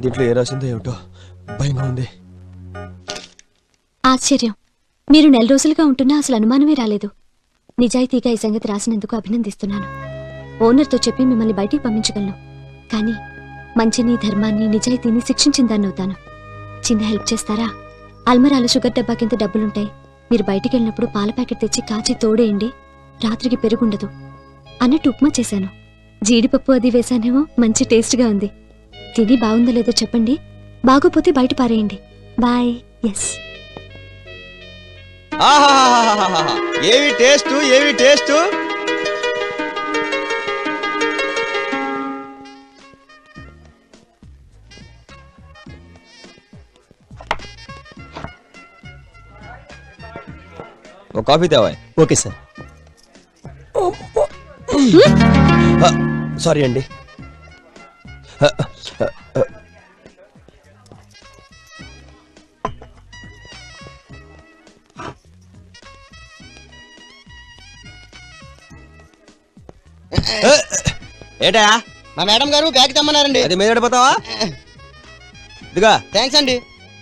దీంట్లో ఏ రాసిందో ఏమిటో భయంగా ఉంది. ఆశ్చర్యం, మీరు నెల రోజులుగా ఉంటున్నా అసలు అనుమానమే రాలేదు. నిజాయితీగా ఈ సంగతి రాసినందుకు అభినందిస్తున్నాను. ఓనర్తో చెప్పి మిమ్మల్ని బయటికి పంపించగలను, కానీ మంచిని, ధర్మాన్ని, నిజాయితీని శిక్షించిన దాన్ని అవుతాను. చిన్న హెల్ప్ చేస్తారా? అల్మరాలో షుగర్ డబ్బా కింద డబ్బులుంటాయి. మీరు బయటికి వెళ్ళినప్పుడు పాల ప్యాకెట్ తెచ్చి కాచి తోడేయండి. రాత్రికి పెరుగుండదు అన్నట్టు ఉప్మా చేశాను. జీడిపప్పు అది వేశానేమో, మంచి టేస్ట్గా ఉంది. తిని బాగుందో లేదో చెప్పండి. బాగోపోతే బయట పారేయండి. బాయ్. ఎస్. ఏవి టేస్ట్, ఏవి టేస్ట్. ఒక కాఫీ తేవా. Okay sir. సారీ అండి. ఏటా మా మేడం గారు బ్యాగ్ తెమ్మన్నారండి. అది మీద పడిపోతావా? ఇదిగా. థ్యాంక్స్ అండి.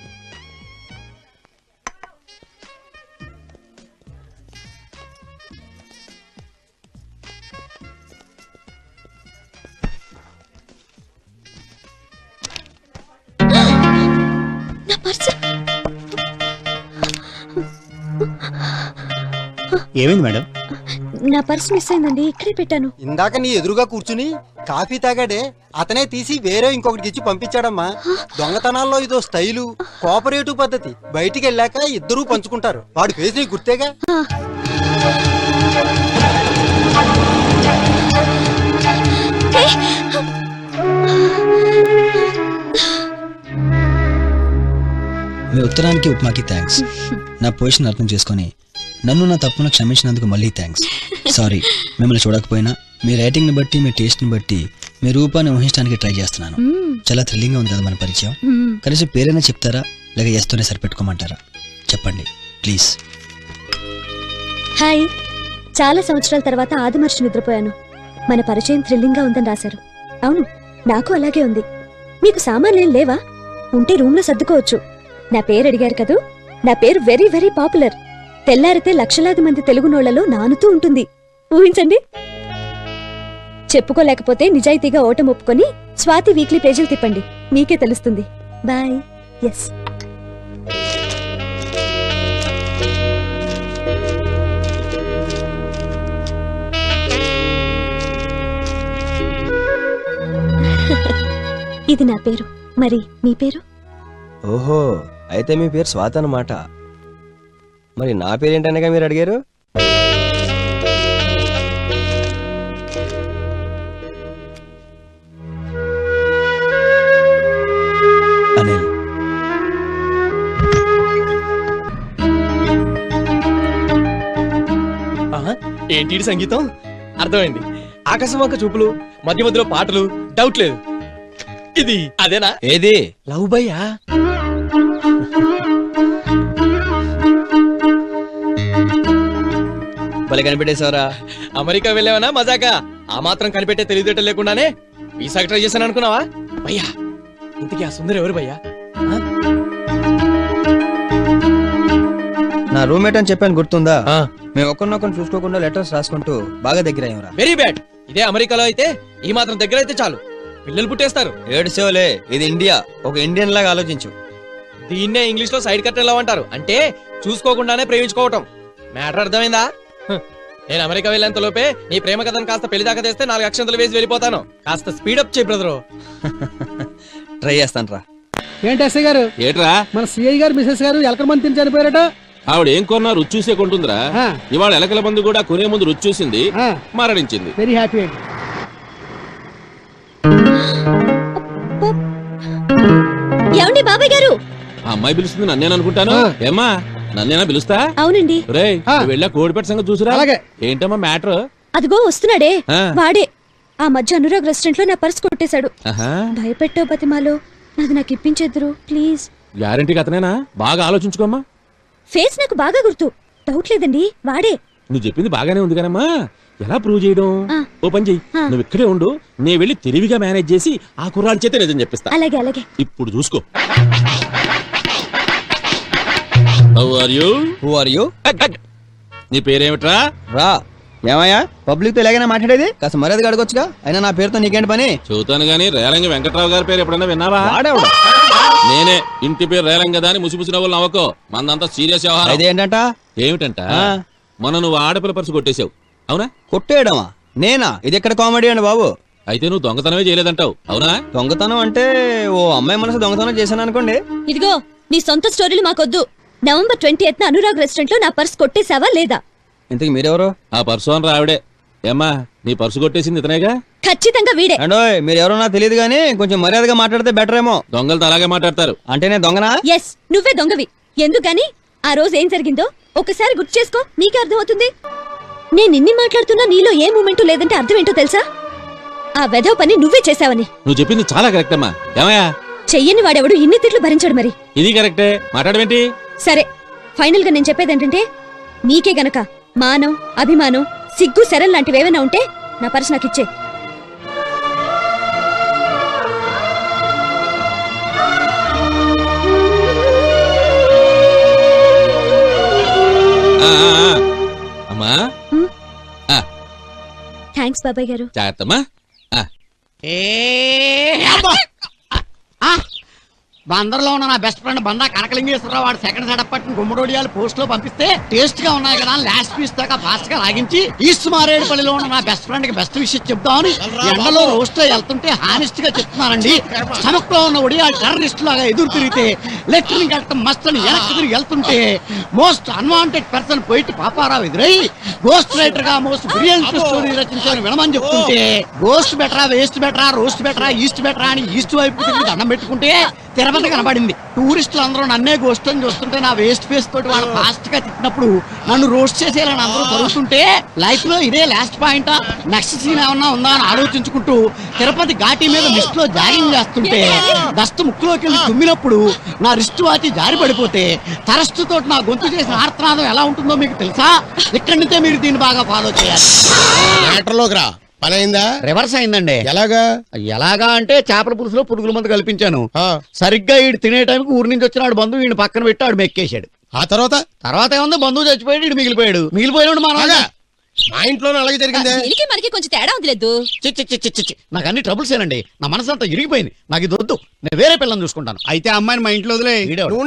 ఏమైంది మేడం? నా పర్స్ మిస్ అయిందండి. ఇక్కడే పెట్టాను. ఇందాక నీ ఎదురుగా కూర్చుని కాఫీ తాగాడే అతనే తీసి వేరే ఇంకొకటికి ఇచ్చి పంపించాడమ్మా. దొంగతనాల్లో ఇదో స్టైలు, కోఆపరేటివ్ పద్ధతి. బయటికి వెళ్ళాక ఇద్దరూ పంచుకుంటారు. వాడి ఫేస్ నీకు గుర్తేగా. మీ ఉత్తరానికి ఉప్మాకి థ్యాంక్స్. నా పొజిషన్ అర్థం చేసుకొని నన్ను నా తప్పును క్షమించినందుకు మళ్ళీ థ్యాంక్స్. సారీ, మిమ్మల్ని చూడకపోయినా మీ రైటింగ్ ని బట్టి, మీ టేస్ట్ ని బట్టి మీ రూపాన్ని ఊహించడానికి ట్రై చేస్తున్నాను. చాలా థ్రిల్లింగ్ గా ఉంది కదా మన పరిచయం. కనీసం పేరైనా చెప్తారా, లేక ఎస్తూనే సరిపెట్టుకోమంటారా? చెప్పండి ప్లీజ్. హాయ్. చాలా సంవత్సరాల తర్వాత ఆదిమర్చి నిద్రపోయాను. మన పరిచయం థ్రిల్లింగ్ గా ఉందని రాశారు. అవును, నాకు అలాగే ఉంది. మీకు సామాన్లేం లేవా? ఉంటే రూమ్ లో సర్దుకోవచ్చు. నా పేరు అడిగారు కదూ. నా పేరు వెరీ వెరీ పాపులర్. తెల్లారితే లక్షలాది మంది తెలుగునోళ్లలో నానుతూ ఉంటుంది. ఊహించండి. చెప్పుకోలేకపోతే నిజాయితీగా ఓటం ఒప్పుకొని స్వాతి వీక్లీ పేజీలు తిప్పండి, మీకే తెలుస్తుంది. బాయ్. ఎస్. ఇది నా పేరు. మరి మీ పేరు? ఓహో, అయితే మీ పేరు స్వాత అన్నమాట. మరి నా పేరేంటనగా మీరు అడిగారు? అనిల్. ఏంటి సంగీతం? అర్థమైంది. ఆకాశవంక చూపులు, మధ్య మధ్యలో పాటలు, డౌట్ లేదు. ఇది అదేనా? ఏది? లవ్ బయ్యా? భలే కనిపెట్టేశావరా. అమెరికా వెళ్ళావనా మజాకా? ఆ మాత్రం కనిపెట్టే తెలివితేటలు లేకుండానే వీసా ట్రై చేశాను అనుకున్నావా? భయ్యా, ఇంతకీ ఆ సుందరి ఎవరు భయ్యా? నా రూమ్మేట్ అని చెప్పాను, గుర్తుందా? మేము ఒకరినొకరు చూసుకోకుండా లెటర్స్ రాసుకుంటూ బాగా దగ్గర అయ్యారా. Very bad. ఇదే అమెరికాలో అయితే ఈ మాత్రం దగ్గర అయితే చాలు, పిల్లలు పుట్టేస్తారు. ఏడ్చేవలే, ఇది ఇండియా. ఒక ఇండియన్ లాగా ఆలోచించు. దీన్నే ఇంగ్లీష్ లో సైడ్ కట్ ఎలా అంటారు అంటే చూసుకోకుండానే ప్రేమించుకోవటం. మ్యాటర్ అర్థమైందా? నేను అమెరికా వెళ్ళేంత లోపే నీ ప్రేమ కథను కాస్త పెళ్లి దాకా తెస్తే 4 అక్షంతలు వేసి వెళ్ళిపోతాను. కాస్త స్పీడప్ చేయి బ్రదరు. ట్రై చేస్తాను రా. ఏంటి ఎస్ఐ గారు? ఏట్రా? మన సిఐ గారు మిసెస్ గారు ఎలకల మంది తిని చనిపోయారట. ఆవిడ ఏం కొన్నా రుచి చూసే కొంటుందిరా. ఇవాళ ఎలకల మందు కూడా కొనే ముందు రుచి చూసింది, మరణించింది. వెరీ హ్యాపీ అండి. ఏమండి బాబాయ్ గారు? ఆ అమ్మాయి పిలుస్తుంది నన్నేననుకుంటాను. ఏమ్మా, నన్నేనా పిలుస్తా? అవునండి. రేయ్, వెళ్ళా కోడిపెట్ట సంగతి చూసురా. అలాగే. ఏంటమ్మా మ్యాటర్? అదిగో వస్తున్నాడే వాడే. ఆ మధ్య అనురాగ్ రెస్టారెంట్ లో నా పర్స్ కొట్టేశాడు. భయపెట్టో బతిమాలో నాది నాకు ఇప్పించేద్దరు ప్లీజ్. గ్యారంటీకి అతనేనా? బాగా ఆలోచించుకోమ్మా. ఫేస్ నాకు బాగా గుర్తు. డౌట్ లేదండి, వాడే. నువ్వు చెప్పింది బాగానే ఉంది కానమ్మా, ఎలా ప్రూవ్ చేయడం? ఓ పని చెయ్యి, నువ్వు ఇక్కడే ఉండు, నేను వెళ్ళి తెలివిగా మేనేజ్ చేసి ఆ కుర్రాడి చేత నిజం చెప్పిస్తా. అలాగే అలాగే. ఇప్పుడు చూసుకో. How are you? Who are you? నీ పేరేమిట్రా? రా. ఏమయ్యా పబ్లిక్ తో ఎలాగైనా మాట్లాడేది? కాస్త మర్యాదగా అడగొచ్చుగా. అయినా నా పేరుతో నీకేంటి పని? చూతాను గానీ రేలంగి వెంకట్రావు గారి పేరు ఎప్పుడైనా విన్నావా? వాడేవాడు. నేనే. ఇంటి పేరు రేలంగి కదా అని ముసిముసి నవ్వులు నవ్వకో, మందంతా సీరియస్ వ్యవహారం. ఇదేంటంట? ఏమిటంట? మొన్న నువ్వు ఆడపిల్ల పర్సు కొట్టేశావు, అవునా? కొట్టేయడమా? నేనా? ఇది ఎక్కడ కామెడీ అండి బాబు? అయితే నువ్వు దొంగతనమే చేయలేదంటావు, అవునా? దొంగతనం అంటే ఓ అమ్మాయి మనసు దొంగతనం చేశాను అనుకోండి. ఇదిగో నీ సొంత స్టోరీలు మాకొద్దు. నవంబర్ 28న అనురాగ్ రెస్టారెంట్ లో నా పర్స్ కొట్టేశావా లేదా? ఇంతకు మీరెవరు? ఆ పర్సు అని రావిడే. ఏమ్మా, నీ పర్సు కొట్టేసింది ఇతనేగా? ఖచ్చితంగా వీడే. అండోయ్ మీరు ఎవరో నాకు తెలియదు కానీ కొంచెం మర్యాదగా మాట్లాడితే బెటర్ ఏమో. దొంగలతో అలాగే మాట్లాడతారు. అంటే నేను దొంగనా? ఎస్, నువ్వే దొంగవి. ఎందుకని ఆ రోజు ఏం జరిగిందో ఒకసారి గుర్తు చేసుకో, నీకే అర్థమవుతుంది. నేను ఇన్ని మాట్లాడుతున్నా నీలో ఏ మూమెంట్ లేదంటే అర్థం ఏంటో తెలుసా? ఆ వెధవ పని నువ్వే చేశావని. నువ్వు చెప్పింది చాలా కరెక్ట్ అమ్మా. ఏమయ్యా? చెయ్యని వాడెవడు ఇన్ని తిట్లు భరించాడు మరి. ఇది కరెక్టే, మాట్లాడమేంటి? సరే, ఫైనల్ గా నేను చెప్పేది ఏంటంటే, నీకే గనక మానం, అభిమానం, సిగ్గు, శరం లాంటివేమైనా ఉంటే నా పర్స్ నాకు ఇచ్చే. అమ్మా థ్యాంక్స్ బాబాయ్ గారు. జాగ్రత్తమ్మా. బందర్లో ఉన్న నా బెస్ట్ ఫ్రెండ్ బందా కనకలింగేశ్వరరావు వాడు సెకండ్ సెటప్ పట్టిన గుమ్మడోడియాలు పోస్ట్ లో పంపిస్తే టేస్ట్ గా ఉన్నాయి కదా లాస్ట్ పీస్ దాకా ఫాస్ట్ గా లాగించి ఈస్ట్ మారేడుపల్లిలో ఉన్న నా బెస్ట్ ఫ్రెండ్ కి బెస్ట్ విషయం చెప్తామని ఎండలో రోస్ట్ లో వెళ్తుంటే హానెస్ట్ గా చెప్తున్నానండి. స్టమక్ లో ఉన్న ఒడియాలు టెర్రరిస్ట్ లాగా ఎదురు తిరిగితే లెఫ్టినెంట్ కట్టం మస్త్ అని వెనక్కి తిరిగి వెళ్తుంటే most unwanted person poet Paparao ఎదురై గోస్ట్ రైటర్ గా మోస్ట్ బ్రిలియంట్ స్టోరీ రచించాలని వినమని చెప్తుంటే గోస్ట్ బెటరా, వేస్ట్ బెటరా, రోస్ట్ బెటరా, ఈస్ట్ బెటరా అని ఈస్ట్ వైపు తిరిగి దండం పెట్టుకుంటే తిరుపతి కనబడింది. టూరిస్టులు అందరూ నన్నే గోస్ట్ అని చూస్తుంటే నా వేస్ట్ ఫేస్ తోటి వాళ్ళు ఫాస్ట్ గా తిట్టినప్పుడు నన్ను రోస్ట్ చేసేయాలని అందరూ జరుగుతుంటే లైఫ్ లో ఇదే లాస్ట్ పాయింటా, నెక్స్ట్ సీన్ ఏమన్నా ఉందా అని ఆలోచించుకుంటూ తిరుపతి ఘాటి మీద లిస్ట్ లో జాగింగ్ చేస్తుంటే దస్తు ముక్కులోకి వెళ్ళి తుమ్మినప్పుడు నా రిస్ట్ వాచి జారి పడిపోతే తరస్తు తోటి నా గొంతు చేసిన ఆర్తనాదం ఎలా ఉంటుందో మీకు తెలుసా? ఇక్కడి నుంచే మీరు దీన్ని బాగా ఫాలో చేయాలి. మ్యాటర్లోకి రా. పని అయిందా? రివర్స్ అయిందండి. ఎలాగా అంటే చేపల పులుసులో పురుగుల మందు కల్పించాను. సరిగ్గా ఈడు తినే టైంకి ఊరి నుంచి వచ్చినాడు బంధువు ఈయన పక్కన పెట్టి ఆడు మెక్కేశాడు. ఆ తర్వాత ఏముంది, బంధువు చచ్చిపోయాడు, ఈడు మిగిలిపోయాడు. మా ఇంట్లోనే అలాగే జరిగిందే. మనకి కొంచెం తేడా వదిలేదు. నాకు అన్ని ట్రబుల్స్ ఏనండి. నా మనసు అంతా ఇరిగిపోయింది. నాకు ఇది వద్దు, నేను వేరే పిల్లని చూసుకుంటాను. అయితే అమ్మాయిని మా ఇంట్లో వదిలే.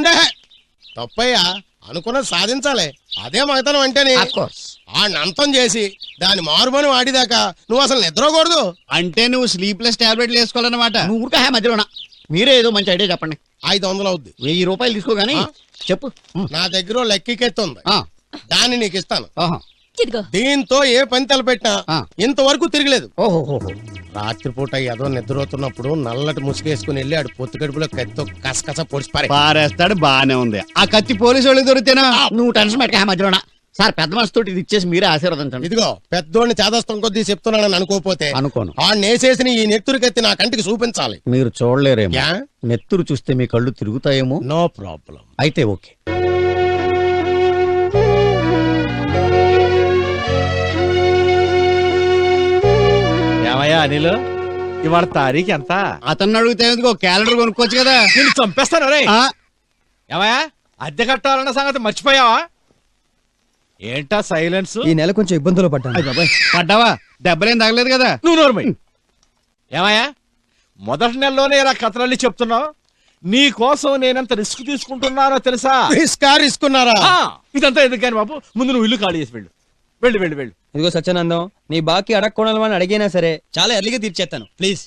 తప్పయ్యా, అనుకున్నది సాధించాలి. అదే మగతనం అంటేనే. ఆ నంతం చేసి దాని మారుమని వాడిదాకా నువ్వు అసలు నిద్రకూడదు. అంటే నువ్వు స్లీప్లెస్ టాబ్లెట్లు వేసుకోవాలన్నమాట. నువ్వు ఊరికే మధ్యలోనా? మీరే ఏదో మంచి ఐడియా చెప్పండి. 500 అవుద్ది. 1000 రూపాయలు తీసుకోగాని చెప్పు. నా దగ్గర లెక్కికెత్తుంది, దాన్ని నీకు ఇస్తాను. ఇదిగో. దీంతో ఏ పని తలపెట్టినా ఇంతవరకు తిరగలేదు. ఓహో. రాత్రిపూట ఏదో నిద్రపోతున్నప్పుడు నల్లటి ముసుగేసుకుని వెళ్ళి ఆడు పొత్తు కడుపులో కత్తితో కసకస పొడిచి పారేస్తాడు. బానే ఉంది. ఆ కత్తి పోలీసు వాళ్ళకి దొరికితేనా? నువ్వు టెన్షన్ పెట్టక మధ్యలోనా. సార్, పెద్ద మనసుతో ఇది ఇచ్చేసి మీరే ఆశీర్వదించండి. ఇదిగో, పెద్దోడిని చేదస్తం కొద్దీ చెప్తున్నానని అనుకోపోతే అనుకోను. ఆ నేసేసిన ఈ నెత్తురు కత్తి నా కంటికి చూపించాలి. మీరు చూడలేరేమో. నెత్తురు చూస్తే మీ కళ్ళు తిరుగుతాయేమో. No problem. అయితే ఓకే. ఏమయ్యా అనిల్, ఇవాళ తారీఖు ఎంత? అతన్ని అడిగితే క్యాలెండర్ కొనుక్కోవచ్చు కదా. నేను చంపేస్తాను రే. ఏమయ్యా, అద్దె కట్టాలన్న సంగతి మర్చిపోయావా? ఏంటా సైలెన్స్? ఈ నెల కొంచెం ఇబ్బందులు పడ్డావా? దెబ్బలేం తగలేదు కదా. నువ్వు నోర్మై. ఏమయ్యా, మొదటి నెలలోనే ఇలా కథలన్నీ చెప్తున్నావు. నీ కోసం నేనెంత రిస్క్ తీసుకుంటున్నానో తెలుసా? రిస్కున్నారా? ఇదంతా ఎందుకు కానీ బాబు, ముందు నువ్వు ఇల్లు ఖాళీ చేసి వెళ్ళు. వెళ్ళు. ఇదిగో సత్యానందం, నీ బాకీ అడగకూడదు అని అడిగినా సరే చాలా ఎర్లీగా తీర్చేస్తాను ప్లీజ్.